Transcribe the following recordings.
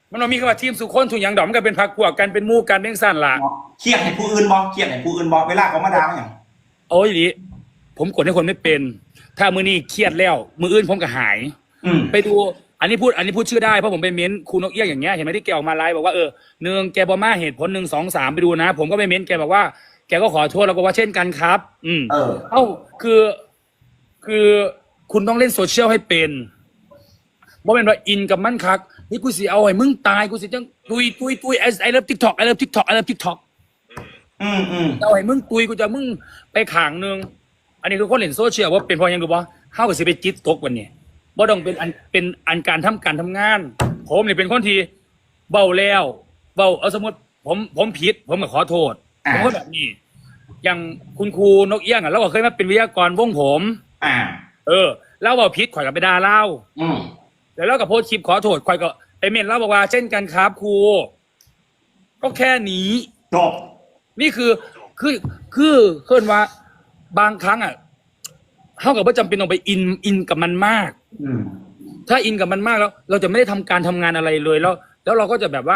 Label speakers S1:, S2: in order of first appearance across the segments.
S1: มันมีคำว่าทีมสุคนทุกอย่างดอกมันก็เป็นพรรคพวกกันเป็นหมู่กันเป็นสั้นล่ะ
S2: เครียดให้ผู้อื่นบ่เครียดให้ผู้อื่นบ่เวลาเขามาด่าอย่าง
S1: โอ้ยดิผมกดให้คนไม่เป็น ถ้ามือนี้เครียดแล้วมืออื่นผมก็หายไปดูอันนี้พูดชื่อได้เพราะผมไปเม้นครูนกเอี้ยงอย่างเงี้ยเห็นไหมที่แกออกมาไลฟ์บอกว่าหนึ่งแกบอกมาเหตุผล1 2 3ไปดูนะผมก็ไปเม้นแกบอกว่าแกก็ขอโทษแล้วก็ว่าเช่นกันครับคือคุณต้องเล่นโซเชียลให้เป็นว่าเป็นว่าอินกับมันคักนี่กูสิเอาให้มึงตายกูสิจังตุยไอเลิฟทิกทอกไอเลิฟทิกทอกไอเลิฟทิกทอกเอาให้มึงตุยกูจะมึงไปขางนึงอันนี้คือคนเล่นโซเชียลว่าเป็นพอยังดูบ่เข้ากับสิไปจิตตกวันนี้บ่ต้องเป็นอันการทำงานผมเนี่ยเป็นคนที่เบาแล้วเบาเอาสมมติผมผิดผมก็ขอโทษผมก็แบบนี้อย่างคุณครูนกเอี้ยงเราก็เคยมาเป็นวิทยากรวงผมแล้วเบาผิดข่อยกับไปด่าเล่าแล้วเรากับโพสคลิปขอโทษข่อยก็ไปเมนเล่าบอกว่าเช่นกันครับครูก็แค่นี้
S2: จบ
S1: นี่คือเคลื่อนว่าบางครั้งเท่ากับว่าจำเป็นต้องไปอินกับมันมากถ้าอินกับมันมากแล้วเราจะไม่ได้ทำการทำงานอะไรเลยแล้วเราก็จะแบบว่า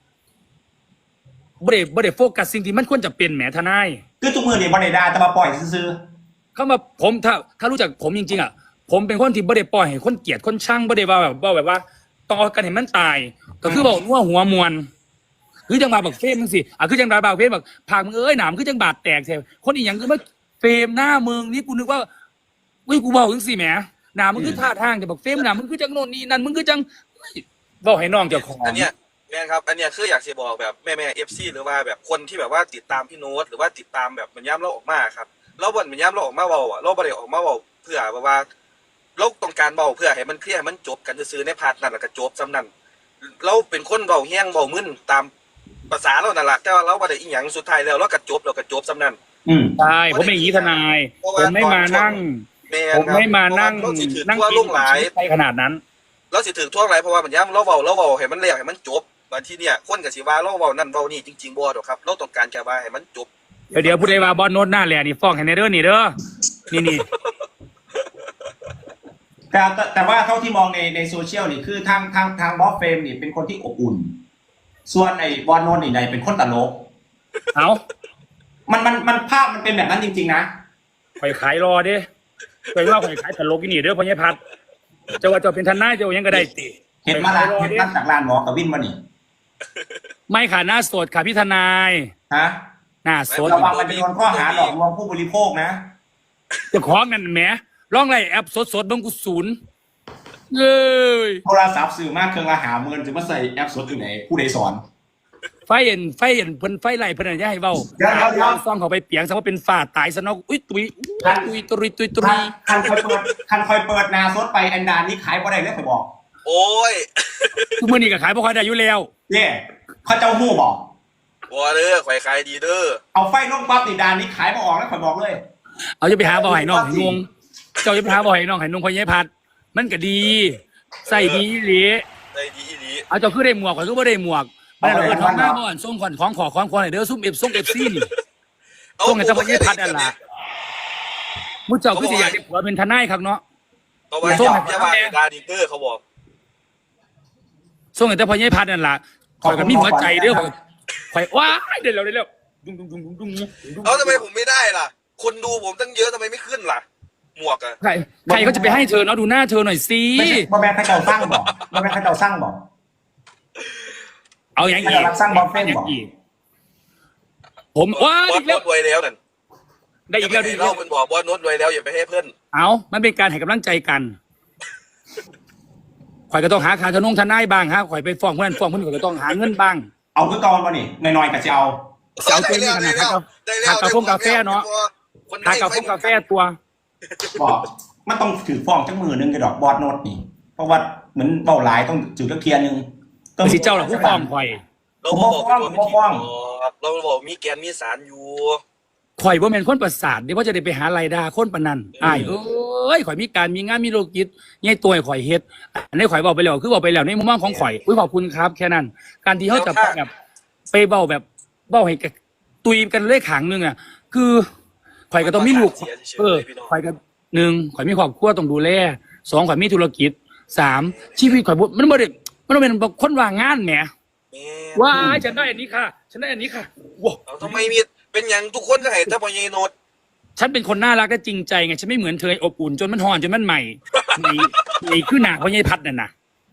S1: บ่ได้โฟกัสสิ่งที่มันควรจะเป็นแหมทนาย
S2: คือทุกมือนี่บ่ได้ด่าแต่มาปล่อยซื่อ
S1: เข้ามาผมถ้ารู้จักผมจริงๆผมเป็นคนที่บ่ได้ปล่อยให้คนเกลียดคนช่างบ่ได้ว่าแบบว่าต้องเอากันให้มันตายก็คือบอกว่าหัวมวลคือจังบาบักเฟรมมึงสิคือจังบาบักเฟรมแบบผากมึงหนามคือจังบาดแตกแท้คนอีหยังคือมาเฟรมหน้ามึงนี่กูนึกว่ากูบอกจังสิแหมหนามึงคือท่าทางแต่บักเฟรมหนามึงคือจังโน่นนี่นั่นมึงคือจังบอกให้น้องเจ้าของ
S3: อันเนี้ยแม่ครับอันเนี้ยคืออยากจะบอกแบบแม่FCหรือว่าแบบคนที่แบบว่าติดตามพี่โน้ตหรือว่าติดตามแบบมันย้ำเราออกมาครับเราบ่นมันย้ำเราออกมาเบาเราบ่ได้ออกมาเบาเพื่อแบบว่าเราต้องการเบาเพื่อให้มันเคลียร์ให้มันจบกันซื่อในพาร์ทนั้นแล้วก็จบซ้ำนั้นเราเป็นคนเบาแห้งเบามึนตามภาษาเรานั่นแหละแต่ว่าเราบ่ได้อีหยังสุดท้ายแล้วเราก็จบซ้ำนั้น
S1: ใช่ผมเป็นอย่างนี้ทนายผมไม่มานั่ง
S3: ทั่วลุ่งหลาย
S1: ไปขนาดนั้น
S3: เราสิถึงทั่วหลายเพราะว่ามันย้ำเราเบาให้มันเลี้ยงให้มันจบบางทีเนี่ยคนกับสิว่าเราเบานั่นเบานี่จริงๆบ่ดอกครับเราต้องการแค่ว่าให้มันจบ
S1: เดี๋ยวพูดได้ว่าบอลโน้ตหน้าแหล่นี่ฟ้องให้ในเด้อนี่เด้อนี่
S2: แต่ว่าเท่าที่มองในโซเชียลนี่คือทางบอสเฟรมนี่เป็นคนที่อบอุ่นส่วนไอ้บอลโนนนี่เป็นคนตลกมันภาพมันเป็นแบบนั้นจริงๆนะ
S1: ข่อยขายรอเด้ข่อยว่าข่อยขายตลกนี่เด้อพ่อใหญ่พัดจะว่าจะเป็นทนายจะยังก็ได้ติ
S2: เห็นมาละเห็นตั้งจากลานหมอกับวินมานี่
S1: ไม่ค่ะหน้าสดค่ะพี่ทนายหน้าสด
S2: ระวังมันจะโดนข้อหาหลอกลวงผู้บริโภคนะ
S1: จะขอเงินแหมร้องไรแอปสดบังกุศล
S2: โทรศัพท์สื่อมากเครื่องละ50,000จะมาใส่แอปสดอยู่ไหนผู้ใดสอน
S1: ไฟเห็นเพิ่นไฟไหลเพิ่นจะให้เว้าซ่องเขาไปเปียงซะว่าเป็นฝ่าตายซะเนาะอุ้ยตุย
S2: คันคอยเปิดนาสดไปอันดานี้ขายบ่ได้เลยข่อยบอก
S3: โอ้ย
S1: ทุกมื้อนี้ก็ขายบ่ค่อยได้อยู่แล้ว
S2: เขาเจ้าฮู้บอก
S3: บ่เด้อข่อยขายดีเด้อ
S2: เอาไฟลงปั๊บนี่ดานี้ขายบ่ออกแล้วข่อยบอกเลย
S1: เอาจะไปหาบ่ให้น้องให้งงเจ้าจะไปหาบ่ให้น้องให้นุ่งพ่อใหญ่พัดมันก็ดีใส่ดีอีหลีเอาเจ้าคือได้หมวกข่อยคือบ่ได้หมวกบ่ได้เราท้องหน้าบ่อนส่งของให้เด้อซุ่ม FC นี่ส่งให้เจ้าพ่อใหญ่พัดนั่นล่ะมุเจ้าคือสิอยากได้ผัวเป็นทนายครับเนาะ
S3: เขาว่าส่งให้ว่าดาดีเด้อเขาบอก
S1: ส่งให้เจ้าพ่อใหญ่พัดนั่นล่ะข่อยก็มีหัวใจเด้อข่อยว้ายได้แล้วดุง
S3: เอาทำไมผมไม่ได้ล่ะคนดูผมตั้งเยอะทำไมไม่ขึ้นล่ะหมวกอะ
S1: ใครเขาจะไปให้เธอเนาะดูหน้าเธอหน่อยสิ
S2: บ่แม่นเขาเจ้าสร้างบอกบ่แม่นเขาเจ้าสร้างบอก
S1: เอาอย่าง
S2: อีกสร้างบอลเฟนบอก
S1: ผมว้า
S3: อีกแล้วรวยแล้วนั่น
S1: ได้อีกแล้วดิ
S3: เราเป็นบอกบอลโน้ตรวยแล้วอย่าไปให้เพื่อน
S1: เอามันเป็นการให้กำลังใจกันข่อยก็ต้องหาค่าทนายบ้างฮะข่อยไปฟ้องเพื่อนข่อยก็ต้องหาเงินบ้าง
S2: เอาคือเก่าบ่นี่น้อยๆก็สิเอา
S1: เต็มขนาดกาแฟเนาะหากาแฟตัว
S2: บอกมันต้องถือฟ้องจังมือนึงกระดอกบอสโน้ตนี่เพราะว่าเหมือนเบาหลายต้องจุดตะเคียนนึง
S1: ต้องสิเจ้าหลักผู้ฟ้องข่อย
S3: เราบอกมีแกนมีสารอยู่
S1: ข่อยว่าเป็นคนประสาทเดี๋ยวว่าจะได้ไปหารายได้คนปนันเอ้ยข่อยมีการมีงานมีโลกิจใหญ่ตัวข่อยเฮ็ดอันนี้ข่อยบอกไปแล้วคือบอกไปแล้วในมุมมองของข่อยขอบคุณครับแค่นั้นการที่เขาจะแบบไปเบาแบบเบาให้ตุยกันเลขขังนึงคือข่อยก็ต้องมีลูกข่อยก็1ข่อยมีครอบครัวต้องดูแล2ข่อยมีธุรกิจ3ชีวิตข่อยมันบ่ได้มันต้องเป็นคนว่างงานแหม
S3: แม่
S1: ว้ายฉันได้อันนี้ค่ะฉันได้อันนี้ค่ะว้าว
S3: เอาทำไมมีเป็นอย่างทุกคนก็ให้ถ้าพอยายโนด
S1: ฉันเป็นคนน่ารักและจริงใจไงฉันไม่เหมือนเธออบอุ่นจนมันห่อนจนมันใหม่ไอ้ขึ้นหนาเพราะยายพัดน่ะนะ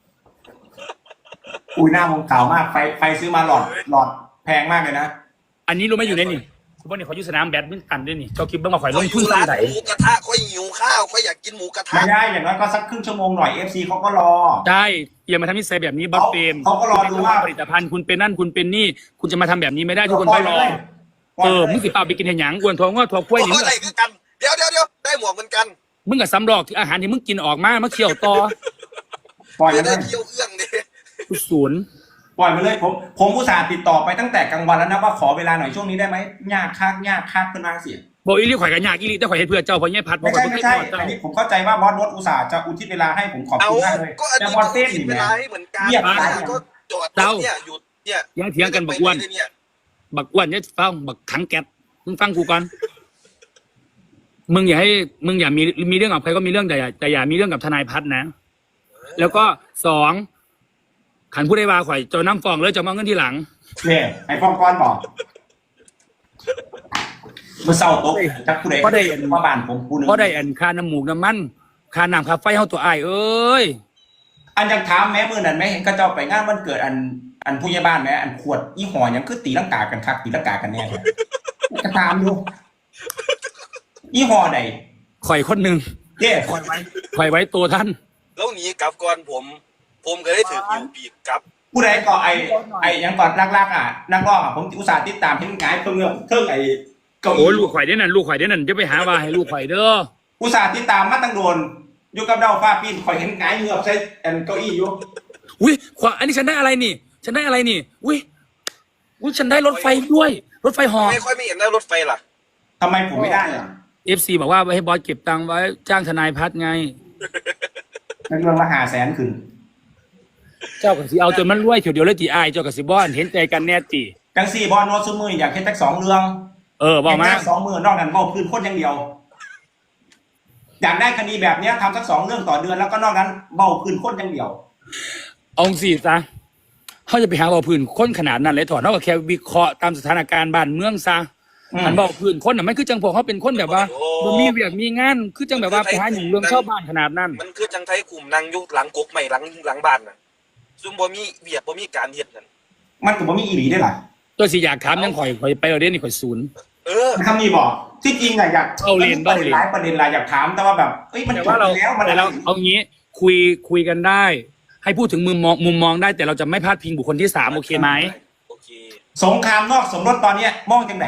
S2: อุ้ยหน้ามงขาวมากไฟซื้อมาหลอดแพงมากเลยนะ
S1: อันนี้รู้ไหมอยู่ในนี่คุณพ่อเนี่ยเขาอยู่สนามแบดมินตันด้วยนี่เจ้าคิดบ้างมาข่อยล
S3: ค่อย
S1: ง
S3: อ
S1: ทุน
S3: ยู่
S1: สร้า
S3: ร้าง น
S1: ไหน
S3: หมูกระทะค่อยหิวข้าวค่อยอยากกินหมูกระทะ
S2: ไม่ได้อย่างน้อยก็สักครึ่งชั่วโมงหน่อย FC เขาก็รอ
S1: ได้อย่ามาทำนิสัยแบบนี้บัฟเฟม
S2: เขาก็รอดูว่า
S1: ผลิตภัณฑ์คุณเป็นนั่นคุณเป็นนี่คุณจะมาทำแบบนี้ไม่ได้ทุกคน
S2: ปล่
S1: ต้
S2: อ
S1: อย ง
S2: ไป
S1: รอ
S2: เลย
S1: มึงสิเปล่าไปกินเห็นหยังกวนทองว่าทองกล้วยนี่
S3: โอ้อะไรคือกันเดี๋ยวได้หมวกเหมือนกัน
S1: มึงกับซ้ำรอกที่อาหารที่มึงกินออกมาเคี่ยวต่อ
S2: ปล่อย
S3: เดี๋
S2: ไป
S3: ยว
S2: เล
S3: ได้
S2: ย
S3: เที่ยวเอื้องดิ
S1: ศูนย์
S2: ปล่อยไปเลยผมอุตส่าห์ติดต่อไปตั้งแต่กลางวันแล้วนะว่าขอเวลาหน่อยช่วงนี้ได้ไหมยากคักขึ้นมาเสีย
S1: บอกอีลี่ข่อยกันยากอีลี่แต่ข่อยให้เพื่อเจ้าเพราะเนี่ยพัดเพ
S2: ไม่
S1: ราะข่อย
S2: ใช่
S1: ไม่
S2: ไม่
S1: ใช่
S2: ใช่อันนี้ผมเข้าใจว่าบอสรถอุตส่าห์จะอุทิศเวลาให้ผมขอบ
S3: เอา
S2: คุณมากเลย
S3: ก็อัน
S2: แต่
S3: นี้
S2: บอ
S3: ก็
S2: สเต้น
S3: คิด
S2: นี่
S3: เว
S2: แห
S3: ลา
S2: ละ
S3: ให้เหมือนกัน
S2: เงียบไป
S3: ก็จอดรถเนี่ยหยุดเนี่ย
S1: ยังเถียงกันบักอ้วน
S3: เนี่ย
S1: บักอ้วนเนี่ยฟังบักขังแก๊สมึงฟังกูก่อนมึงอย่ามีเรื่องกับใครก็มีเรื่องแต่อย่ามีเรื่องกับทนายพัฒน์นะ แล้วก็สองขันผู้ได้วาข่อยเจะน้ำฟองแล้วจะมาเอาเงินทีหลัง
S2: เนี่ยไอ้ฟองก้อนบอกเมื่อเศร้าตกจักผู้ใด
S1: เพราะได้
S2: ว่าบ้านผมผู้หนึง
S1: เพราะได้อันค่าน้ำหมูกน้ำมันค่าน้ำค่าไฟเฮาตัวอ้ายเอ้ย
S2: อันยังถามแม่มือนั่นไหมเห็นก็เจ้าไปงานวันเกิดอันผู้ใหญ่บ้านไหมอันขวดยี่ห้อยังคือตีลังกากันคักตีลังกากันแน่เลยก็ถามดูยี่ห้อใด
S1: ข่อยคนหนึ่ง
S2: เด้
S1: ข่อยไว้ตัวท่าน
S3: แล้วหนีกลับก่อนผมก็ได้ถือหิวปีกกลับ
S2: ผู้ใดก็ไอ้ยังก่อนรักๆอ่ะนักร้องอ่ะผมอุตส่าห์ติดตามเห็นงายเพิ่งไอ้เก้า
S1: โอ้
S2: อี้
S1: ลูกข่อยเด้นั่นลูกข่อยเด้นั่นจะไปหาว่าให้ลูกข่อยเด้อ
S2: อุตส่าห์ติดตามมาตั้งโดนอยู่กับเดาฟ้าปีนคอยเห็นงายเงือบใส่อันเก้าอี้อยู่
S1: อุ้ยขวาอันนี้ฉันได้อะไรนี่ฉันได้อะไรนี่อุ้ยฉันได้รถไฟด้วย รถไฟหอ
S3: ไม่ค่อยไม่เห็นได้รถไฟล่ะ
S2: ทำไมผมไม่ได้อ่ะ
S1: FC บอกว่าให้บอสเก็บตังค์ไว้จ้างทนายพัฒน์ไง
S2: นั่นเรื่องละ500,000ขึ้น
S1: เจ้ากับสิเอาจนมันรวยเถียวเดียวเลยตีอายเจ้ากับสิบอนเห็นใจกันแน่ตี
S2: จังสี่บอลโนตซุมืออยากเห็นจัก2 เรื่อง
S1: บอกมา
S2: เห็นจัก2 มือนอกนั้นเว้าพื้นคนอย่างเดียว อยากได้คดีแบบเนี้ยทำสัก2 เรื่องต่อเดือนแล้วก็นอกนั้นเบ้าพื้นคนอย่างเดียว
S1: เอาสิซะเขาจะไปหาเบาพื้นคนขนาดนั้นเลยถอดนอกจากแค่วิเคราะห์ตามสถานการณ์บ้านเมืองซะ มันเบาพื้นคนน่ะมันคือจังพวกเขาเป็นคนแบบว่าบ่มีเวียกมีงานคือจังแบบว่าไปหาหนุ่มเรื่องชาวบ้านขนาดนั้น
S3: มันคือจังไทยกลุ่มนางยุคหลังกกใหม่หลังบ้านน่ะซุ่มบ่มีเวียกบ่มีการเฮ็ดนั่น
S2: มันก็บ่มีอีหลีได้หรอ
S1: ตัวสิอยากถามยังข่อยไปเอาเด่นนี่ข่อยศูนย์
S2: คำนี้บอกที่จริงอะอยาก
S1: เบ้าเรียน
S2: หลายประเด็นหลายอยากถามแต่ว่าแบบเอ้ยมัน
S1: แต่
S2: จบ
S1: ว่าเรา
S2: แล้วมัน
S1: แต่เราเอางี้คุยกันได้ ให้พูดถึงมุมมองได้แต่เราจะไม่พาดพิงบุคคลที่3โอเคไหม
S3: โอเค
S2: สงครามนอกสมรสตอนเนี้ยมองจังไหน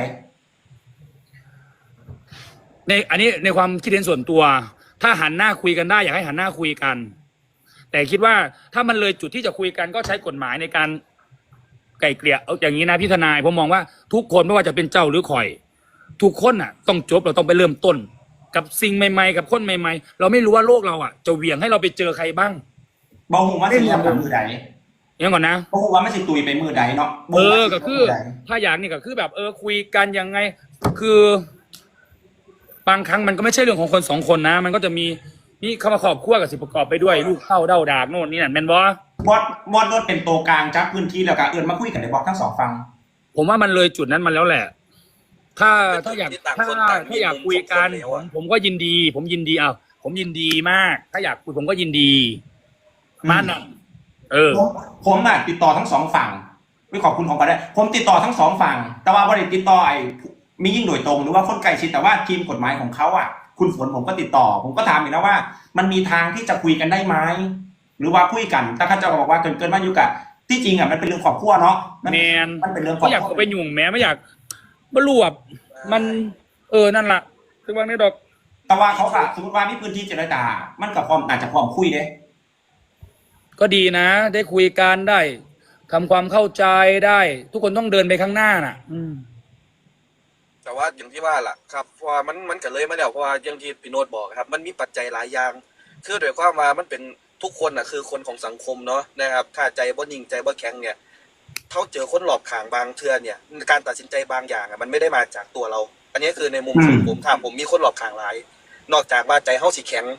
S1: อันนี้ในความคิดเห็นส่วนตัว ถ้าหันหน้าคุยกันได้อยากให้หันหน้าคุยกัน แต่คิดว่าถ้ามันเลยจุดที่จะคุยกันก็ใช้กฎหมายในการไกล่เกลี่ยเอาอย่างนี้นะพี่ทนายผมมองว่าทุกคนไม่ว่าจะเป็นเจ้าหรือข่อย ทุกคนอ่ะ ต้องจบเราต้องไปเริ่มต้น กับสิ่งใหม่ๆกับคนใหม่ๆเราไม่รู้ว่าโลกเราอ่ะจะเหวี่ยงให้เราไปเจอใครบ้าง
S2: บอกหูว่าสิเรียกกับมือใด
S1: อย่างก่อนนะ
S2: บอกหูว่าไม่สิตุยไปมือใดเนาะ
S1: ก็คือ ถ้าอยากนี่ก็คือแบบคุยกันยังไง คือ บางครั้งมันก็ไม่ใช่เรื่องของคน2 คนนะ มันก็จะมีเข้ามาครอบครัวกับสิประกอบไปด้วยลูกเข้าเด้าดากโน่นนี่นั่นแม่นบ่
S2: บอสรถเป็นตัวกลางจับพื้นที่แล้วก็เอื้อนมาคุยกันในบอกทั้ง2 ฝั่ง
S1: ผมว่ามันเลยจุดนั้นมาแล้วแหละ ถ้าอยากคุยกันผมก็ยินดี ผมยินดีผมยินดีมาก ถ้าอยากคุยผมก็ยินดีมันอ่ะ
S2: ผมติดต่อทั้ง2 ฝั่งไม่ขอบคุณของกันได้ผมติดต่อทั้ง2 ฝั่งแต่ว่าบ่ได้ติดต่อมียิ่งโดยตรงหรือว่าคนใกล้ชิดแต่ว่าทีมกฎหมายของเขาคุณฝนผมก็ติดต่อผมก็ถามอีกนะว่า มันมีทางที่จะคุยกันได้ไหมหรือว่าคุยกันแต่ข้าเจ้าก็บอกว่าเกินมาอยู่กับที่จริงมันเป็นเรื่องครอบครัวเนาะมันเป็นเรื่องครอบ
S1: ไม่อยาก
S2: ครัว
S1: ไปยุ่งแม้ไม่อยากบรวบมันนั่นล่ะถึงบางนี้ดอก
S2: แต่ว่าเขาสมมติว่ามีพื้นที่เจรจามันกับความอาจจะพร้อมคุยเด้
S1: ก็ดีนะ ได้คุยกันได้ทำความเข้าใจได้ ทุกคนต้องเดินไปข้างหน้าน่ะ
S3: แต่ว่าอย่างที่ว่าล่ะครับเพราะว่ามันก็เลยมาแล้วเพราะว่าอย่างที่พี่โนตบอกครับมันมีปัจจัยหลายอย่างคือโดยความว่ามันเป็นทุกคนน่ะคือคนของสังคมเนาะนะครับถ้าใจบ่นิ่งใจบ่แข็งเนี่ยเขาเจอคนหลอกขางบางเทื่อเนี่ยการตัดสินใจบางอย่างมันไม่ได้มาจากตัวเรา อันนี้คือในมุมของผมถ้าผมมีคนหลอกขางหลายนอกจากว่าใจเฮาสิแข็ง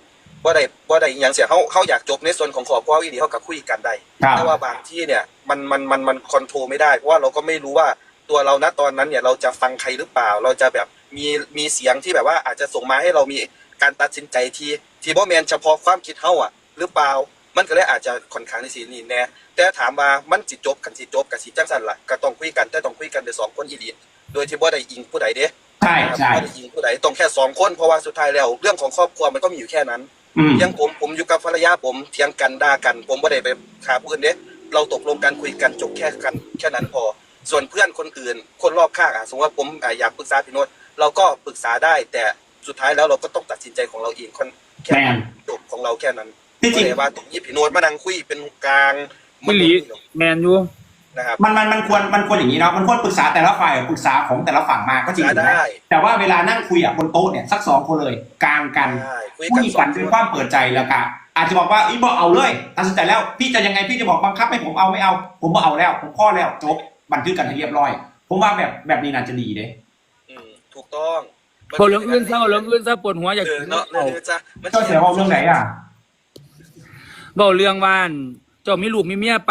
S3: บ่ได้อหย่างเสียเขาอยากจบในส่วนของครอบครัวอีหลีเขาก็คุยกันได้
S2: ครับ
S3: แต่ว่าบางที่เนี่ยมันคอนโทรลไม่ได้เพราะว่าเราก็ไม่รู้ว่าตัวเราณตอนนั้นเนี่ยเราจะฟังใครหรือเปล่า เราจะแบบมีเสียงที่แบบว่าอาจจะส่งมาให้เรามีการตัดสินใจที่บ่แม่นเฉพาะความคิดเฮาอ่ะหรือเปล่ามันก็เลยอาจจะค่อนข้างที่สินี่แน่แต่ถามว่ามันสิจบกันสิจังซั่นล่ะก็ต้องคุยกันแต่ต้องคุยกันด้วยสองคนอีหลีโดยที่บ่ได้อิงผู้ใดเด้
S2: ใช่ใช่
S3: บ่ได้อิงผู้ใดต้องแค่สองคนเพราะว่าสุดท้ายแล้วเรื่องของครอบครัวมันก็มีอยู่แค่นั้น ยังผมอยู่กับภรรยาผมเถียงกันด่ากัน ผมไม่ได้ไปฆ่าผู้อื่นเด้เราตกลงกันคุยกันจบแค่นั้นพอ ส่วนเพื่อนคนอื่นคนรอบข้างสมมติว่าผมอยากปรึกษาพี่โน้ตเราก็ปรึกษาได้ แต่สุดท้ายแล้วเราก็ต้องตัดสินใจของเราเองแค่จบของเราแค่นั้น
S2: ที่จริง
S3: ไม่ได้ว่าตรงนี้พี่โน้ตมานั่งคุยเป็นกลาง
S1: ไม่หลีแมนอยู่
S3: นะครับ
S2: มันควรอย่างนี้เนาะมันควรปรึกษาแต่ละฝ่ายปรึกษาของแต่ละฝั่งมาก็จริง
S3: ได้
S2: แต่ว่าเวลานั่งคุยบนโต๊ะเนี่ยสัก2 คนเลยกลางกัน
S3: ได้คุย
S2: คุ
S3: กัน
S2: ย
S3: สอ
S2: กัน
S3: ง
S2: ด้วยความเปิดใจแล้วก็อาจจะบอกว่าอีบอกเอาเลยตัดสินใจแล้วพี่จะยังไงพี่จะบอกบังคับให้ผมเอาไม่เอา ผมบอกเอาแล้วผมข้อแล้วจบบันทึกกันให้เรียบร้อย ผมว่าแบบนี้น่าจะดีเด้
S3: ถูกต้อง
S1: พอเรื่องอื่นซะเอาเรื่องอื่นซะปวดหัวอยาก
S3: เนาะเลยจ้ะ
S2: เจ้าเสียเอาเรื่องไหนอ่ะ
S1: เว้าเรื่องว่านเจ้ามีลูกมีเมียไป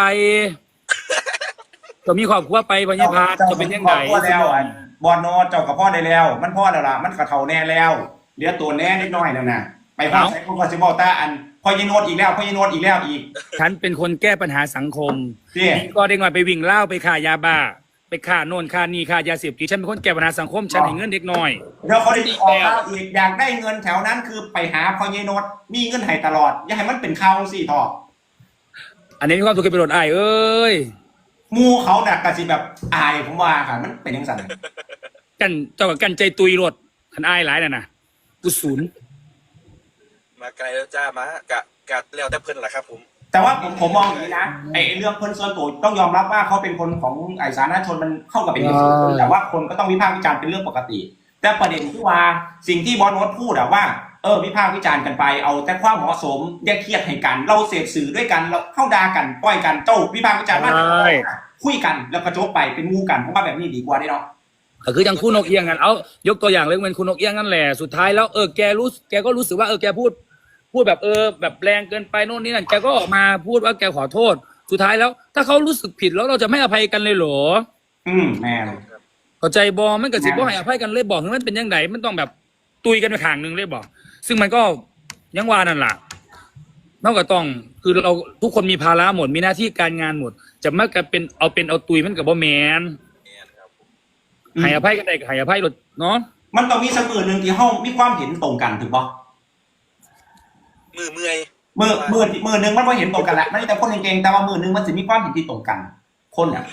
S1: เจ้ามีครอบครัวไปพญาพาจะเป็นยังไง
S2: พ่อแล้วบอลโนเจ้ากับพ่อได้แล้ว มันพ่อแล้วล่ะมันกระเทาแน่แล้วเหลือตัวแน่นิดหน่อยนั่นน่ะไปพ่อใช้พวกก็สิบอกตาอันพ่อยีโนดอีกแล้วพ่อยีโนดอีกแล้วอีก
S1: ฉันเป็นคนแก้ปัญหาสังคม
S2: นี่
S1: ก็เด็กน้อยไปวิ่งเล่าไปฆ่ายาบ้าไปฆ่าโน่นฆ่านี่ฆ่ายาเสพติดฉันเป็นคนแก้ปัญหาสังคมฉันให้เงินเด็กน้อย
S2: เดี๋ยวเขาได้ออกแล้วอีกอยากได้เงินแถวนั้นคือไปหาพ่อยีโนดมีเงินให้ตลอดอย่าให้มันเป็นข่าวสิทอ
S1: อันนี้มีความสุขเป็นประโยชน์อ้ายเอ้ย
S2: มูเขาเนี่ยกะสิแบบอายผมว่าค่ะมันเป็นยังไง
S1: กันเจ้ากับกันใจตุยรถคันอ้ายหลายน่ะนะกูศูนย์
S3: มาไกลแล้วจ้ามากะแล้วแต่เพิ่นแหละครับผม
S2: แต่ว่าผมมองอย่างนี้นะไอ้เรื่องคนส่วนตัวต้องยอมรับว่าเขาเป็นคนของไอ้สาธารณชนมันเข้ากับเป็นเรื่องส่วนตัวแต่ว่าคนก็ต้องวิพากษ์วิจารณ์เป็นเรื่องปกติ แต่ประเด็นที่ว่าสิ่งที่บอสโนตพูดอะว่าวิพากษ์วิจารณ์กันไปเอาแต่ความเหมาะสมแยกเครียดให้กันเราเสพสื่อด้วยกันเราเข้าด่ากันปล่อยกันโจ้วิพากษ์วิจารณ์ว่าคุยกันแล้วก็จบไปเป็นงูกันผมว่าแบบนี้ดีกว่าได้เนาะ
S1: ก็คืออย่างคุณนกเอี้ยงกันเอายกตัวอย่างเรื่องเป็นคุณนกเอี้ยงนั่นแหละสุดท้ายแล้วแกก็รู้สึกว่าแกพูดแบบแบบแรงเกินไปโน่นนี่นั่นแกก็ออกมาพูดว่าแกขอโทษสุดท้ายแล้วถ้าเขารู้สึกผิดแล้วเราจะไม่อภัยกันเลยเหรอ
S2: แม่น
S1: เข้าใจบอมันก็สิบ่ให้อภัยกันเลยบอกถึงมันเป็นยังไงมันต้องแบบตุยกันไปข้างหนึงเลยบอกซึ่งมันก็ยังว่านั่นล่ะนอกจากต้องคือเราทุกคนมีภาระหมดมีหน้าที่การงานหมด จะมากันเป็นเอาตุยมันกับบ่แมนให้อภัยกันได้ก็ให้อภัยรถเนาะ
S2: มันต้องมีสักมือหนึ่งที่ห้องมีความเห็นตรงกันถูกปะ
S3: มือเมื่อย
S2: มือหนึ่งมันก็เห็นตรงกันแหละไม่แต่คนเก่งๆแต่ว่ามือหนึ่งมันจะมีความเห็นที่ตรงกัน คนอ่ะ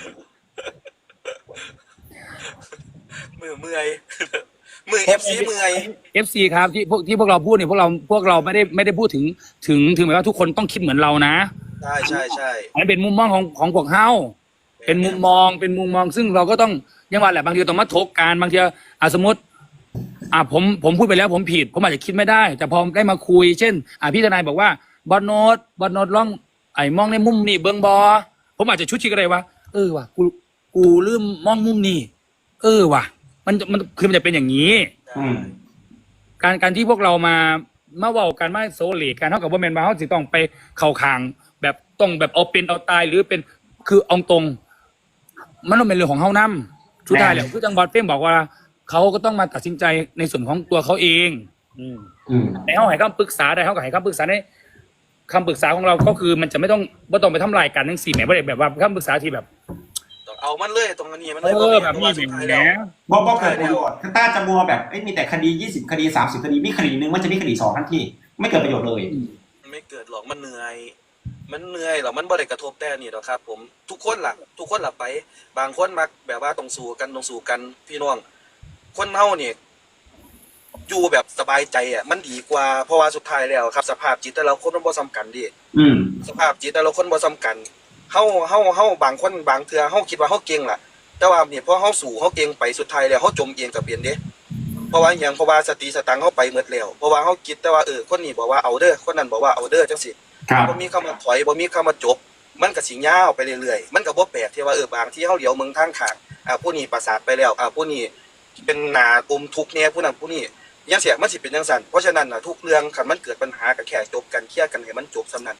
S3: มือเมื่อย มือ FC เมื่อย
S1: FC ครับที่พวกเราพูดเนี่ยพวกเราไม่ได้พูดถึงหมายว่าทุกคนต้องคิดเหมือนเรานะ
S3: ใช่
S1: อันนี้เป็นมุมมองของพวกเฮาเป็นมุมมองซึ่งเราก็ต้องยังว่าแหละบางทีต้องมาถกกันบางทีสมมติผมพูดไปแล้วผมผิดผมอาจจะคิดไม่ได้ แต่พอได้มาคุยเช่นพี่ทนายบอกว่าบอสโนตลองมองในมุมนี้เบิ้งบอผมอาจจะชุดชิกอะไรวะว่ะกูลืมมองมุมนี้ว่ะมันคือมันจะเป็นอย่างนี้ การที่พวกเรามาเว้ากันมาโซเลกันเท่ากับว่าแมนมาเขาสิต้องไปเข้าคางแบบต้องแบบเอาเป็นเอาตายหรือเป็นคือเอาตรงมันต้องเป็นเรื่องของเฮานำสุดท้ายแล้วคือจังหวัดเป้งบอกว่าเขาก็ต้องมาตัดสินใจในส่วนของตัวเขาเองแต่เขาให้คำปรึกษาได้เขาก็ให้คำปรึกษาในคำปรึกษาของเราก็คือมันจะไม่ต้องไปทำลายกันทั้ง4แหมบ่ได้แบบว่าคำปรึกษาที่แบบ
S3: ต้องเอามันเลยตรงนี้มันเลย
S1: แบบนี้เป็นแหม
S2: บอกเกิดประโยชน์ถ้าจะมัวแบบมีแต่คดี20 คดี 30 คดีมีคดีนึงมันจะมีคดี2ทันทีไม่เกิดประโยชน์เลย
S3: ไม่เกิดหรอกมันเหนื่อยหรอกมันบ่ได้กระทบแต่นี่หรอกครับ ผมทุกคนล่ะไปบางคนมักแบบว่าต้องสู้กันพี่น้องคนเฮาเนี่ยอยู่แบบสบายใจมันดีกว่าเพราะว่าสุดท้ายแล้วครับสภาพจิตแต่ละคนมันบ่ซ้ำกันดิสภาพจิตแต่ละคนบ่ซ้ำกันเฮาบางคนบางเทื่อเฮาคิดว่าเฮาเก่งล่ะแต่ว่าเนี่ยพอเฮาสู้เฮาเก่งไปสุดท้ายแล้วเฮาจมเองก็เป็นเด้เพราะว่าหยังเพราะว่าสติสตังค์เฮาไปหมดแล้วเพราะว่าเฮาคิดแต่ว่าคนนี้บอกว่าเอาเด้อคนนั้นบอกว่าเอาเด้อจังซี่บ่มีคำว่าถอยบ่มีคำว่าจบมันก็สิยาวไปเรื่อยๆมันก็บ่แปลกที่ว่าบางที่เฮาเหลียวเมืองทางข้างผู้นี้ประสาทไปแล้วผู้นี้เป็นหน้าอมทุกข์แน่ผู้นั้นผู้นี้ยังเสียมันสิเป็นจังซั่นเพราะฉะนั้นน่ะทุกเรื่องคันมันเกิดปัญหาก็แค่จบกันเคลียร์กันให้มันจบซำนั้น